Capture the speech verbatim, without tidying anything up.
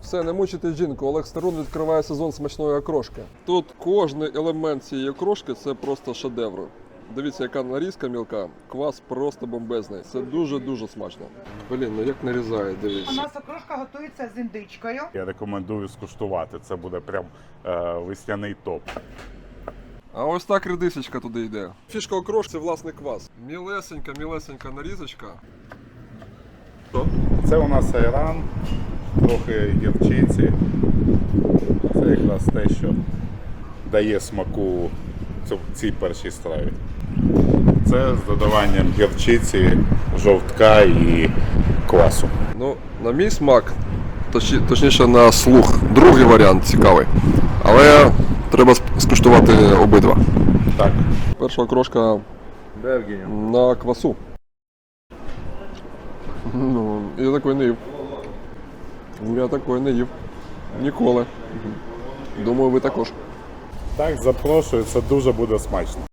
Все, не мучите жінку, Олег Старун відкриває сезон смачної окрошки. Тут кожний елемент цієї окрошки – це просто шедевр. Дивіться, яка нарізка мілка, квас просто бомбезний. Це дуже-дуже смачно. Блін, ну як нарізає, У дивіться. нас окрошка готується з індичкою. Я рекомендую скуштувати. Це буде прям е, весняний топ. А ось так редисочка туди йде. Фішка окрошки – це власний квас. Мілесенька, мілесенька нарізочка. Що? Це у нас айран, трохи гірчиці. Це якраз те, що дає смаку цю- цій першій страві. Це з додаванням гірчиці, жовтка і квасу. Ну, на мій смак, точні- точніше на слух, другий варіант цікавий. Але треба сп- скуштувати обидва. Так. Перша окрошка на квасу. Ну, я такої не їв. Я такої не їв. Ніколи. Думаю, ви також. Так, запрошую, це дуже буде смачно.